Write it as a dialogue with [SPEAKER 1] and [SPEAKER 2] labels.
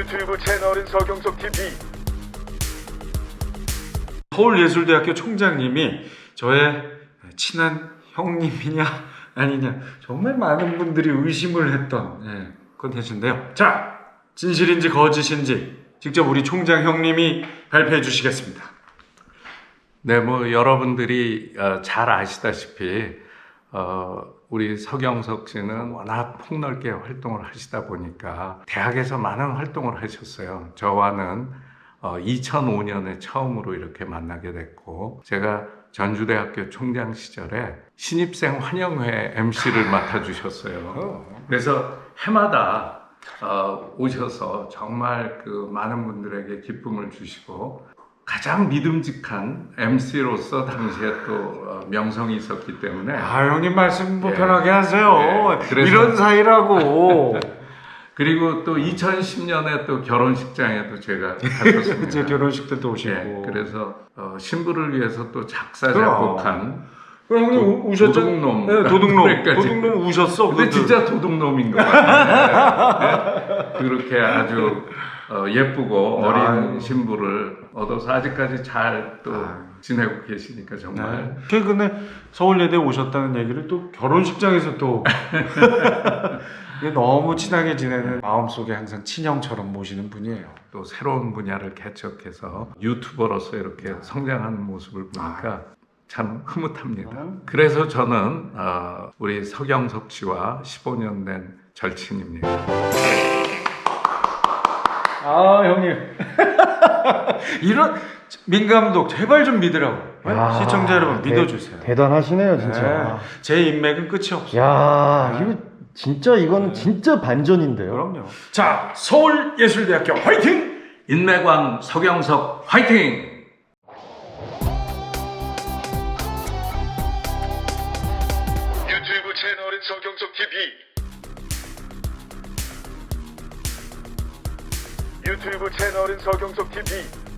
[SPEAKER 1] 유튜브 채널은 서경석 TV.
[SPEAKER 2] 서울예술대학교 총장님이 저의 친한 형님이냐 아니냐 정말 많은 분들이 의심을 했던 컨텐츠인데요. 자, 진실인지 거짓인지 직접 우리 총장 형님이 발표해 주시겠습니다.
[SPEAKER 3] 네, 뭐 여러분들이 잘 아시다시피 우리 서경석 씨는 워낙 폭넓게 활동을 하시다 보니까 대학에서 많은 활동을 하셨어요. 저와는 2005년에 처음으로 이렇게 만나게 됐고, 제가 전주대학교 총장 시절에 신입생 환영회 MC를 맡아주셨어요. 그래서 해마다 오셔서 정말 그 많은 분들에게 기쁨을 주시고, 가장 믿음직한 MC로서 당시에 또 명성이 있었기 때문에.
[SPEAKER 2] 형님 말씀 뭐
[SPEAKER 3] 예.
[SPEAKER 2] 편하게 하세요.
[SPEAKER 3] 그래서
[SPEAKER 2] 이런 사이라고.
[SPEAKER 3] 그리고 또 2010년에 또 결혼식장에도 제가 갔었습니다.
[SPEAKER 2] 제 결혼식 때도 오시고.
[SPEAKER 3] 그래서 신부를 위해서 또 작사
[SPEAKER 2] 그럼.
[SPEAKER 3] 작곡한
[SPEAKER 2] 형님 우셨죠?
[SPEAKER 3] 도둑놈.
[SPEAKER 2] 네, 도둑놈.
[SPEAKER 3] 그러니까
[SPEAKER 2] 도둑놈 우셨어.
[SPEAKER 3] 근데 진짜 도둑놈인 것 같아요. 네? 그렇게 아주 예쁘고 어린 신부를 얻어서 아직까지 잘 또 지내고 계시니까 정말.
[SPEAKER 2] 최근에 서울예대 오셨다는 얘기를 또 결혼식장에서 또 너무 친하게 지내는, 마음속에 항상 친형처럼 모시는 분이에요.
[SPEAKER 3] 또 새로운 분야를 개척해서 유튜버로서 이렇게 성장하는 모습을 보니까 참 흐뭇합니다. 그래서 저는 우리 서경석 씨와 15년 된 절친입니다.
[SPEAKER 2] 형님. 이런 민감독 제발 좀 믿으라고. 시청자 여러분 믿어주세요.
[SPEAKER 4] 대단하시네요, 진짜.
[SPEAKER 2] 제 인맥은 끝이 없어요.
[SPEAKER 4] 야, 이거 진짜 이거는 진짜 반전인데요.
[SPEAKER 2] 그럼요. 자, 서울예술대학교 화이팅!
[SPEAKER 3] 인맥왕 서경석 화이팅!
[SPEAKER 1] 유튜브 채널은 서경석 TV. 유튜브 채널은 서경석 TV.